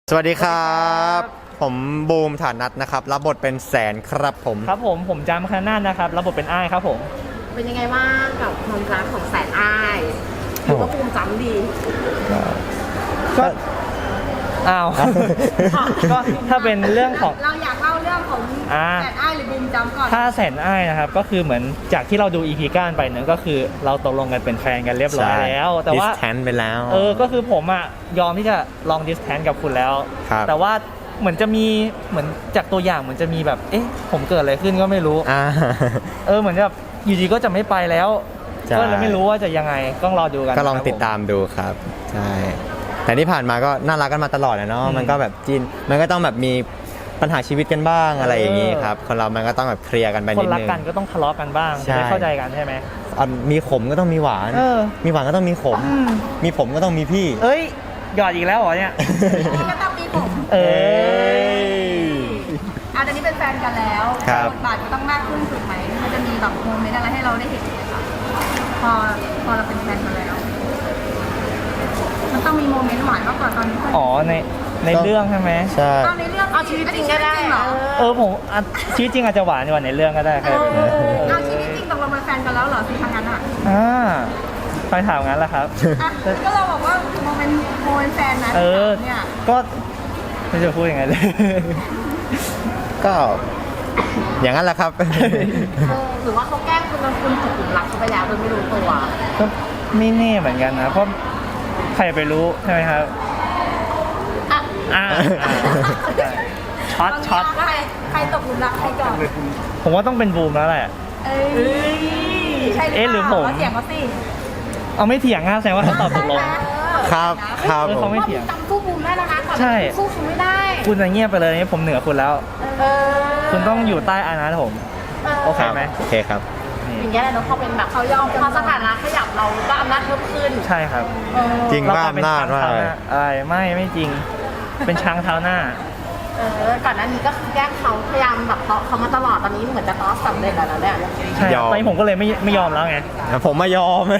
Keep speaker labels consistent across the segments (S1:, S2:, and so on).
S1: สวัสดีครับผมบูมฐานัทนะครับรับบทเป็นแสนครับผม
S2: ผมจามคณานะครับรับบทเป็นอ้ายครับผม
S3: เป็นยังไงบ้างกับความรักของแสนอ้ายถือว่าภูมิจำดี
S2: ก็อ้าวก็ถ้าเป็นเรื่องของ
S3: เราอยากเล่าเรื่องของแสนอ้ายหรือบูมจำก่อน
S2: ถ้าแสนอ้ายนะครับก็คือเหมือนจากที่เราดู EP ก้านไปเนี่ยก็คือเราตกลงกันเป็นแฟนกันเรียบร้อยแล้วแต่ว่า
S1: distance ไปแล้ว
S2: ก็คือผมอ่ะยอมที่จะลอง distance กับคุณแล้วแต่ว่าเหมือนจะมีเหมือนจากตัวอย่างเหมือนจะมีแบบผมเกิดอะไรขึ้นก็ไม่รู้เหมือนแบบอยู่ดีก็จะไม่ไปแล้วก็เลยไม่รู้ว่าจะยังไงต้องรอดูกัน
S1: ก็ลองติดตามดูครับใช่แต่ที่ผ่านมาก็น่ารักกันมาตลอดนะเนาะมันก็แบบจีนมันก็ต้องแบบมีปัญหาชีวิตกันบ้างอะไรอย่างนี้ครับคนเรามันก็ต้องแบบเคลียร์กันไปนิดนึง
S2: คนรักกันก็ต้องทะเลาะกันบ้างจะได้เข้าใจกันใช่ไหม
S1: มีขมก็ต้องมีหวานมีหวานก็ต้องมีขมมีผมก็ต้องมีพี่
S2: หยอดอีกแล้วเหรอเนี่ย
S3: ก็ต้องมีผมตอนนี้เป็นแฟนกันแล้วบทบาทก็ต้องมากขึ้นถูกไหมมันจะมีแบบโมเมนต์อะไรให้เราได้เห็นไหมคะพอเราเป็นแฟนกันแล้วมันต้องมีโมเมนต์หวานมากกว่าตอนนี้
S2: ในเรื่องใช่ไหม
S1: ใช่
S3: ในเรื่องเอาชีวิตจริงก็ได้เหรอ
S2: ผมชีวิตจริงอาจจะหวานกว่าในเรื่องก็ได้ครับ
S3: เอาชีวิตจริงตกลงเป็นแฟนกันแล้วเหรอสิทางนั้น
S2: ไปถามงั้นแหละครับ
S3: ก็เราบอกว่าโมเมนต์แฟนนะเนี่ย
S2: ก็ไม่จะพูดยังไงเลย
S1: ก็อย่างนั้นแหละครับ
S3: หรือว่าเขาแกล้งคุณตกหลุมรักเขาไปแล้วโดยไม่รู้ตัว
S2: ก็ไม่แน่เหมือนกันนะเพราะใครไปรู้ใช่ไหมครับช็อต
S3: ใครตกหลุมรักใครก่อน
S2: ผมว่าต้องเป็นบูมแล้วแหละ
S3: ใช่
S2: หรือผม
S3: เถียงเขาสิ
S2: เอาไม่เถียงนะแสดงว่าเขาตอบตกลง
S1: ครับ
S2: เขาไม่เถียง
S3: จำสู้บูมได้แล้วนะ
S2: ใช่
S3: สู้เขาไม่ได้
S2: คุณจะเงียบไปเลยผมเหนือคุณแล้วคุณต้องอยู่ใต้อานัตผมโอเคไหม
S1: โอเคครับ
S3: อย่างเงี้ยแหละเนาะเขาเป็นแบบเขายอมพอสถานะขยับเราก็อำนาจเพิ่มขึ้น
S2: ใช่ครับ
S1: จริงว่าอำนาจว่า
S2: อะไรไม่จริงเป็นช้างเท้าหน้า
S3: ก่อนหน้านี้ก็แกล้งเขาพยายามแบบเตาะเขามาตลอดตอนนี้เหมือนจะเตาะสำเร็จแล้วเนี่ย
S2: ใช่ตอนนี้ผมก็เลยไม่ยอมแล้วไง
S1: ผมไม่ยอม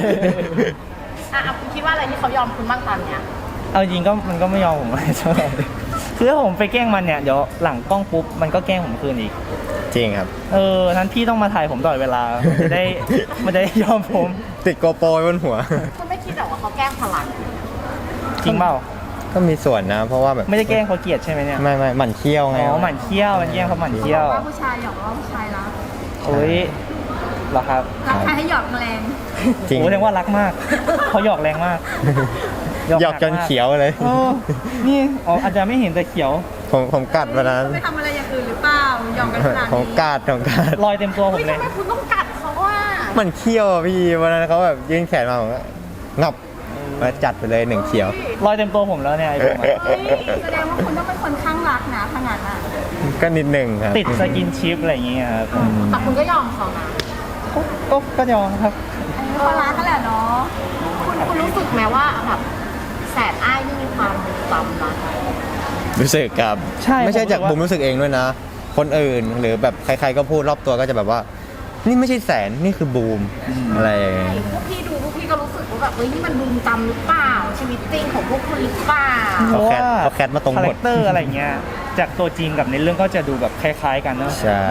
S3: คุณคิดว่าอะไรที่เขายอมคุณบ้างตอนเนี้ย
S2: เอาจริงก็มันก็ไม่ยอมผมอะไรเท่าไหร่คือถ้าผมไปแกล้งมันเนี่ยเดี๋ยวหลังกล้องปุ๊บมันก็แกล้งผมคืนอีก
S1: จริงครับ
S2: นั้นพี่ต้องมาถ่ายผมตลอดเวลาจะได้ยอมผม
S1: ติดโกโปรบนหัว
S3: คุณไม่คิดหรอว่าเขาแกล้งพลัง
S2: จริงเปล่า
S1: ก็มีส่วนนะเพราะว่าแบบ
S2: ไม่ได้แกล้งเขาเกลียดใช่ไหมเนี่ย
S1: ไม่หมั่นเคี้ยวไง
S2: หมั่นเคี้ยวมันแกล้งเขาหมั่นเคี้ยว
S3: ว่าผู้ชายหยอกว่าผู้ชายรัก
S2: เหรอครับ
S3: รักใครให้หยอกแรง
S2: จริงแสดงว่ารักมากเขาหยอกแรงมาก
S1: หยอกจนเขียวเลย
S2: นี่อาจจะไม่เห็นแต่เขียว
S1: ผมกัดวันนั้น
S3: ไปทำอะไรอย่างอื่นหรือเปล่าหยอกกันขนาดนี้
S1: ผมกัด
S2: รอยเต็มตัวผมเลย
S3: ทำไมคุณต้องกัดเขาว่า
S1: มันเคี้ยวพี่วันนั้นเขาแบบยื่นแขนมาผมก็งับมาจัดไปเลย1เขียว
S2: รอยเต็มตัวผมแล้วเนี่ยไอ้ผม
S3: แสดงว่าคุณต้องเป็นคนข้างรักนะขนาดนั้น
S1: ก็นิดหนึ่งครับ
S2: ติดสกินชิปอะไรอย่างเงี้ยครับ
S3: แต่คุณก็ยอมเขานะ
S2: ก็ยอมครับ
S3: เขารักกันแหละเนาะคุณรู้สึกไหมว่าแบบแสนอ้ายนี่มีความจำนะ
S1: รู้สึกครับไม่ใช่จากผมรู้สึกเองด้วยนะคนอื่นหรือแบบใครๆก็พูดรอบตัวก็จะแบบว่านี่ไม่ใช่แสนนี่คือบูมอะไร
S3: พวกพี่ก็รู้สึกว่าแบบนี่มันบูมจำหรือเปล่าชีวิตจริงของพวกคุณหรือเปล่า
S1: เขาแคทมาตรงหมด
S2: คาแรคเตอร์อะไรเงี้ยจากตัวจริงกับในเรื่องก็จะดูแบบคล้ายๆกันเนาะ
S1: ใช่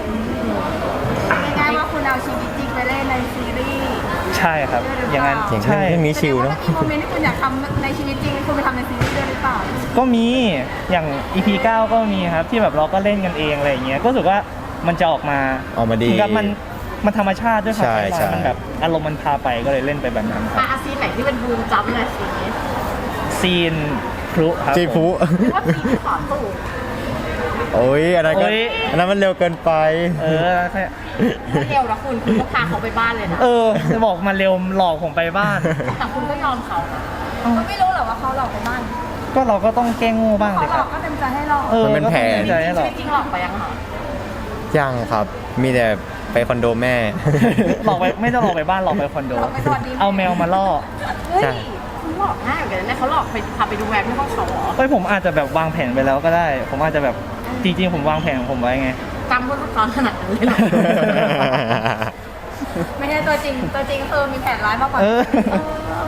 S3: ง่ายๆว่าคุณเอาชีวิตจริงไปเล่นในซีรีส์
S2: ใช่ครับอย่างนั้น
S1: ใช่เรื่องนี้ชิลเนาะ
S3: มีโมเมนต์ที่คุณอยากทำในชีวิตจริงคุณไปทำในซีรีส์ด้วยหรือเปล่า
S2: ก็มีอย่าง EP 9ก็มีครับที่แบบเราก็เล่นกันเองอะไรอย่างเงี้ยก็รู้สึกว่ามันจะออกมา
S1: ดี
S2: กับมันธรรมชาติด้วยครับมันแบบอารมณ์มันพาไปก็เลยเล่นไปแบบนั้นครับ
S3: ซีนไหนที่เป็นบูมจัมเลย
S2: ซีนพลุครับ
S1: จีพลุ
S3: ว่าซีนขอตู้
S1: โอ้ยอันนั้นมันเร็วเกินไป
S3: ไม่เร็วนะคุณก็พาเขาไปบ้านเลยนะ
S2: จะบอกมาเร็วหลอกผมไปบ้าน
S3: แต่คุณก็ยอมเขาก็ไม่รู้หรอว่าเขาหลอกไปบ้าน
S2: ก็เราก็ต้องแกล้งโง่บ้าง
S3: เลยครับก็เต็มใจให้หลอก
S1: มันเป็นแผน
S3: จริงหลอกไปยังคะ
S1: ยังครับมีแต่ไปคอนโดแม่
S2: หลอกไปไม่ต้องหลอกไปบ้านหลอกไปคอนโดเอาแมวมาล่อ
S3: ใช่หลอกง่ายเหมือนกันนะเขาหลอกไปพาไปดูแวร์ที่ห้องเขา
S2: ผมอาจจะแบบวางแผนไปแล้วก็ได้ผมอาจจะแบบจริงๆผมวางแผนของผมไว้ไง
S3: จำพวกตอนขนาดนั้นเลยหรอไม่ใช่ตัวจริงคือมีแผนร้ายมากกว่า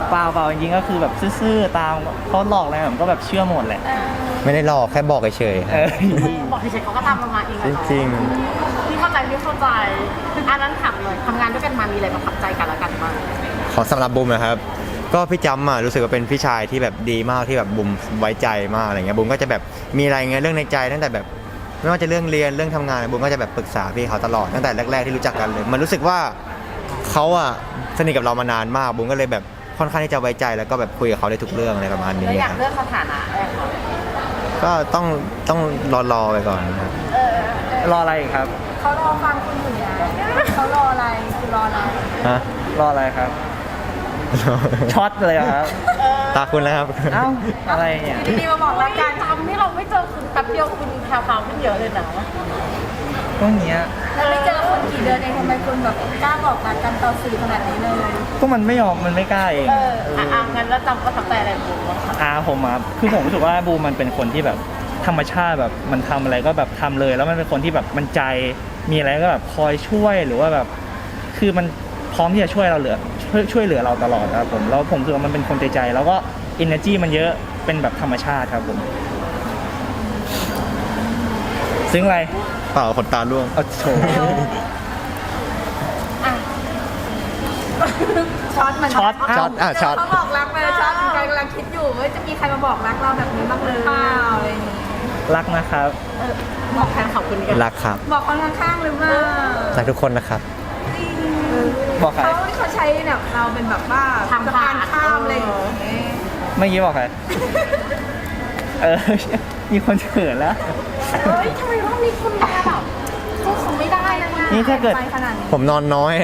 S2: เปล่าจริงๆก็คือแบบซื่อๆตามเขาหลอกอะไรผมก็แบบเชื่อหมดแหละ
S1: ไม่ได้หลอกแค่บอกเฉยๆ
S2: เออ
S4: บอกที่เช็คเขาก็ทำประมาณเอง
S1: จริง
S4: ที่เข้าใจไม่เข้าใจอันนั้นถามเลยทำงานด้วยกันมามีอะไรประทับใจกันและกันบ้าง
S1: ๆของสำหรับบูมนะครับ ก็พี่จำรู้สึกว่าเป็นพี่ชายที่แบบดีมากที่แบบบูมไว้ใจมากอะไรเงี้ยบูมก็จะแบบมีอะไรเงี้ยเรื่องในใจตั้งแต่แบบไม่ว่าจะเรื่องเรียนเรื่องทำงานบูมก็จะแบบปรึกษาพี่เขาตลอดตั้งแต่แรกๆที่รู้จักกันเลย มันรู้สึกว่าเขาสนิทกับเรามานานมากบูมก็เลยแบบค่อนข้างที่จะไว้ใจแล้วก็แบบคุยกับเขาได้ทุกเรื่องอะไรประมาณนี้
S4: แล้วอยา
S1: ค
S4: ก
S1: รับ
S4: เลือกสถานะแรกก่อน
S1: ก็ต้องรอไปก่อนครับ
S2: รออะไรอีกครับ
S3: เขารอฟังคุณอยู่นะเขารออะไรคือรออะไร
S1: ฮะ
S2: รออะไรครับ ช็อตเลยเหรอครับ
S1: ตาคุณแล้วครับ
S2: เอ้าอะไรเนี่ย
S3: ดีมาบอกรักกัน
S4: ทำที่เราไม่เจอคุณแป๊บเดียวคุณแพรวๆขึ้นเยอะเลยนะ
S2: พวกเนี้ย
S3: แล้วไม่เจอคนกี่เดือนเองทำไมคุณแบบกล้าบอกรักกันต่อสื่อขนาดนี้เลย
S2: ก็มันไม่ยอมมันไม่กล้าเอง
S4: งั้นแล้วจำประทับใจอะไรบ้างคะ
S2: ผมอ่ะคือผมรู้สึกว่าบูมมันเป็นคนที่แบบธรรมชาติแบบมันทำอะไรก็แบบทำเลย แล้วมันเป็นคนที่แบบมันใจมีอะไรก็แบบคอยช่วยหรือว่าแบบคือมันพร้อมที่จะช่วยเราช่วยเหลือเราตลอดครับผมแล้วผมรู้สึกว่ามันเป็นคนใจแล้วก็ energy มันเยอะเป็นแบบธรรมชาติครับผมซึ้งอะไร
S1: เปล่าขนตาล่วง
S2: เอาโชว์
S3: ช็อตมัน
S2: ช็อต
S1: ช็อตช็อต
S3: เขาบอกรักไปแล้วช็อตกำลังคิดอยู่ว่าจะมีใครมาบอกรักเราแบบนี้บ้างหรือเปล่าอะไรอย่างงี้
S2: รักนะครับ
S4: บอกแทนขอบคุณกัน
S1: รักครับ
S3: บอกคนข้างๆหรือเปล่า
S1: รักทุกคนนะครับ
S3: จริง
S2: บอกใคร
S3: เขาใช้แบบเราเป็นแบบว่าสะพานข้ามอะไรอย่างเงี้ย
S2: เมื่อกี้บอกใคร มีคนเขินแล้ว
S4: เฮ้ยทำไมต้องมีคุณมาแบบสู้เขาไม่ได้นะ
S2: นี่ถ้าเกิด
S3: ไปขนาดนี้
S1: ผมนอนน้อย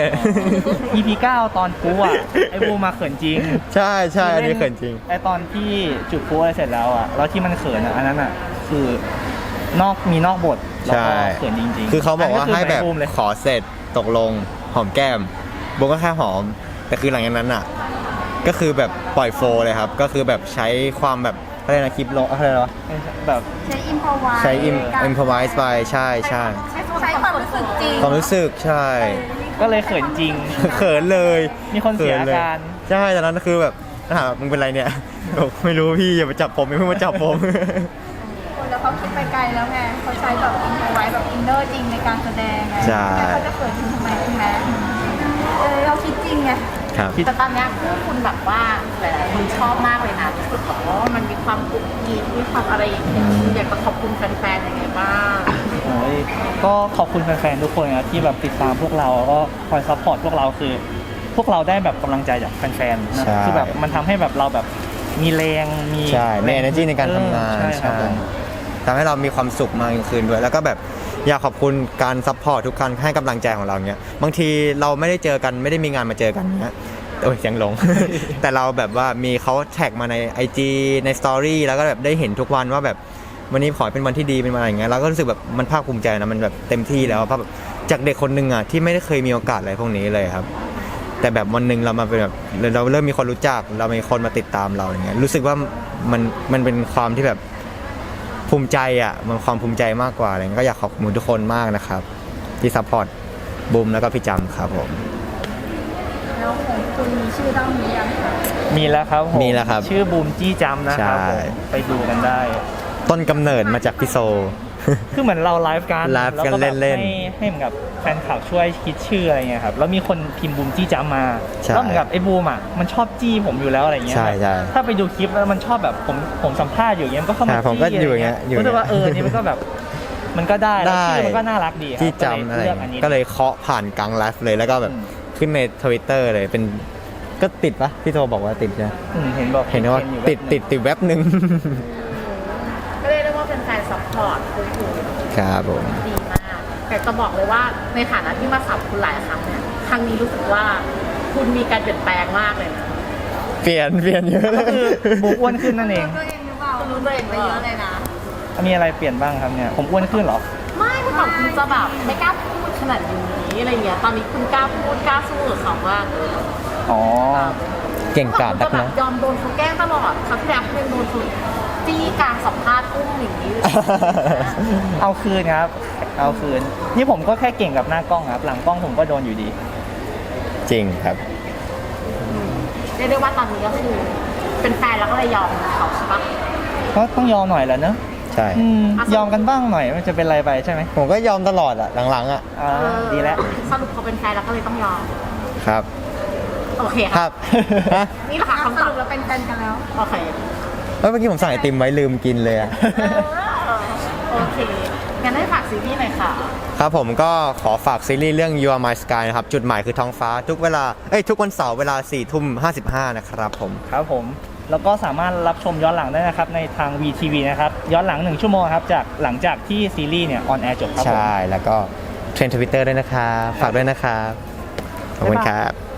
S2: EP 9 ตอนปูอ่ะ ไอ้บูมาเขินจริง
S1: ใช่ใช่อันนี้เขินจริง
S2: ไอ้ตอนที่จุดพูอะไรเสร็จแล้วอ่ะ แล้วที่มันเขินอ่ะ อันนั้นอ่ะ คือนอกบท แล้ว
S1: ใช่
S2: ก็เขินจริงๆ
S1: คือเขาบอกว่า
S2: นนี้
S1: ให้แบบ
S2: ไบูมเลย
S1: ขอเสร็จตกลงหอมแก้มโบก็แค่หอม แต่คือหลังจากนั้นอ่ะ ก็คือแบบปล่อยโฟลเลยครับ ก็คือแบบใช้ความแบบอะไรนะคลิปลงอะไรวะ
S2: แบบ
S3: ใช้อิมพอไว
S1: ใช้อิมพอไวส์ไปใช่ใช่
S3: ใช้ความรู้สึกจริง
S1: ความรู้สึกใช่
S2: ก็เลยเขินจริง
S1: เขินเลย
S2: มีคนเสียอาการ
S1: ใช่ตอนนั้นคือแบบถามมึงเป็นไรเนี่ยบอกไม่รู้พี่อย่ามาจับผมอย่าเพิ่งมาจับผม
S3: แล้วเขาคิดไปไกลแล้วไงเขาใช้แบบอินพอไวแบบอินเนอร์จริงในการแสดงไง
S1: ใช่
S3: แล้วเขาจะเขินทำไมใช่ไหมเราคิดจริงไง
S1: ครับ
S4: แต่ตอนเนี้ยคู่คุณแบบว่าหลายๆคนชอบมากเลยนะรู้สึกแบบว่ามันมีความกุ๊กกิ๊กมีความอะไรอย่างเงี้ยอยากจะขอบคุณแฟนๆยังไงบ้าง
S2: โอ้ยก็ขอบคุณแฟนๆทุกคนนะที่แบบติดตามพวกเราแล้วก็คอยซัพพอร์ตพวกเราคือ พวกเราได้แบบกำลังใจจากแฟนๆนะ
S1: ใช่
S2: คือแบบมันทำให้แบบเราแบบมีแรงมี
S1: ใช่มี energy ในการทำงาน
S2: ใช่ครับผม
S1: ทำให้เรามีความสุขมากยิ่งขึ้นด้วย แล้วก็แบบอยากขอบคุณการซัพพอร์ตทุกการให้กำลังใจของเราเนี้ยบางทีเราไม่ได้เจอกันไม่ได้มีงานมาเจอกันเนี้ยโอ้ยเสียงหลง แต่เราแบบว่ามีเขาแท็กมาใน IG ในสตอรี่แล้วก็แบบได้เห็นทุกวันว่าแบบวันนี้ขอให้เป็นวันที่ดีเป็นวันอะไรอย่างเงี้ยเราก็รู้สึกแบบมันภาคภูมิใจนะมันแบบเต็มที่แล้วเพราะแบบจากเด็กคนหนึ่งอ่ะที่ไม่ได้เคยมีโอกาสอะไรพวกนี้เลยครับ แต่แบบวันหนึ่งเรามาเป็นแบบเราเริ่มมีคนรู้จักเรามีคนมาติดตามเราอย่างเงี้ยรู้สึกว่ามันเป็นความที่แบบภูมิใจอ่ะมันความภูมิใจมากกว่าอะไรเงี้ยก็อยากขอบคุณทุกคนมากนะครับ ที่ซัพพอร์ตบูมแล้วก็พี่จำครับผม
S3: แล้วของคุณมีชื่อต้องมียังคะ
S2: มีแล้วครับผม
S1: มีแล้วครับ
S2: ชื่อบูมจี้จำนะครับ
S1: ใช่
S2: ผมไปดูกันได้
S1: ต้นกำเนิดมาจากพี่โซ
S2: คือเหมือนเราไลฟ์กัน
S1: ไลฟ์กัน
S2: แวแบบ
S1: เล่นๆ
S2: ให้เหมือนกับแฟนคลับช่วยคิดชื่ออะไรเงี้ยครับแล้วมีคนพิมพ์บูมจี้จำมา
S1: ใช่
S2: แล้วเหมือนกับไอ้บูมอ่ะมันชอบจี้ผมอยู่แล้วอะไรเงี้ย
S1: ใช่ใช่
S2: ถ้าไปดูคลิปแล้วมันชอบแบบผมสัมภาษณ์อยู่อย่างเงี้ยมันก็เข้ามา
S1: ใช่ผมก็
S2: จี้
S1: อยู่อย่างเงี้ยอยู่อย่างเงี้ย
S2: รู้สึกว่านี่มันก็แบบมันก็ได้แล้วชื่อมันก็น่ารักดีครับ
S1: ที่จำอะไร
S2: ก็เลยเลือกอันนี้
S1: ก็เลยเคาะผ่านกลางไลฟ์เลยแล้วก็แบบขึ้นใน Twitter เลยเป็นก็ติดปะพี่โทบอกว่าติดใช่ไหม
S2: เห็นบอก
S1: เห็นว่า
S2: อยู่
S1: ติดแว็บหนึ่ง
S4: ก็เรียกได้ว่าเป็นแฟนซัพพอร์ตคุณอยู่
S1: ครับผม
S4: ดีมากแต่จะบอกเลยว่าในฐานะที่มาสับคุณหลายครั้งเนี่ยครั้งนี้รู้สึกว่าคุณมีการเปลี่ยนแปลงมากเลยนะ
S1: เปลี่ยนเยอะเล
S2: ก็
S1: ย
S2: คือบูมอ้วนขึ้นนั่นเอง
S3: ตัวเองหรือเปล่า
S4: รู้ตัวเอง
S3: ไปเยอะเลยนะ
S2: มีอะไรเปลี่ยนบ้างครับเนี่ยผมอ้วนขึ้นเหรอ
S4: ไม่เมื่อก่อนคุณจะแบบไม่กล้าพูดขนาดนี้อะไรเงี้ยตอนนี้คุณกล้าพูดกล้าสู้กับเขามากเลย
S2: อ๋อ
S1: เก่งกาจ
S4: คุณ
S1: นั
S4: จะ
S1: ก
S4: แบบ
S1: นะ
S4: ยอมโดนเขาแกล้งตลอดครั้งที่แล้วคุณยังโดนคุณจี้กลางสัมภาษณ์อุ้มอย่างนี้เลย
S2: เอาคืนครับ เอาคืน นี่ผมก็แค่เก่งกับหน้ากล้องครับ หลังกล้องผมก็โดนอยู่ดี
S1: จริงครับ
S4: ชเรียกได้ว่าตอนนี้ก็คือเป็นแฟนแล้วก็เลยยอมเขาใช่ปะ
S2: ก็ต้องยอมหน่อยแหละเนอะ
S1: ใช่
S2: ยอมกันบ้างหน่อยมันจะเป็นไรไปใช่ไหม
S1: ผมก็ยอมตลอดอะหลังๆอะ
S2: ดีแล้ว
S4: สรุปเขาเป็นแฟนแล้วก็เลยต้องยอม
S1: ครับ
S4: โอเค
S1: ครับฮะ
S4: นี่แหละค่ะ
S3: ส
S4: คำตอบ
S3: รุปเราเป็นแฟนกันแล้ว
S4: โอเค
S1: เมื่อกี้ผมสั่งไอติมไว้ลืมกินเลยอะ
S4: โอเคงั้นให้ฝากซีรีส์หน่อยค่ะ
S1: ครับผมก็ขอฝากซีรีส์เรื่อง You Are My Sky นะครับ จุดหมายคือท้องฟ้าทุกวันเสาร์เวลา 4:55 นะครับผม
S2: ครับผมแล้วก็สามารถรับชมย้อนหลังได้นะครับในทาง VTV นะครับย้อนหลัง1 ชั่วโมงครับจากหลังจากที่ซีรีส์เนี่ยออนแอร์จบครับผม
S1: ใช่ แล้วก็เทรนด์ทวิตเตอร์ด้วยนะครับ ฝากด้วยนะครับ ขอบคุณครับ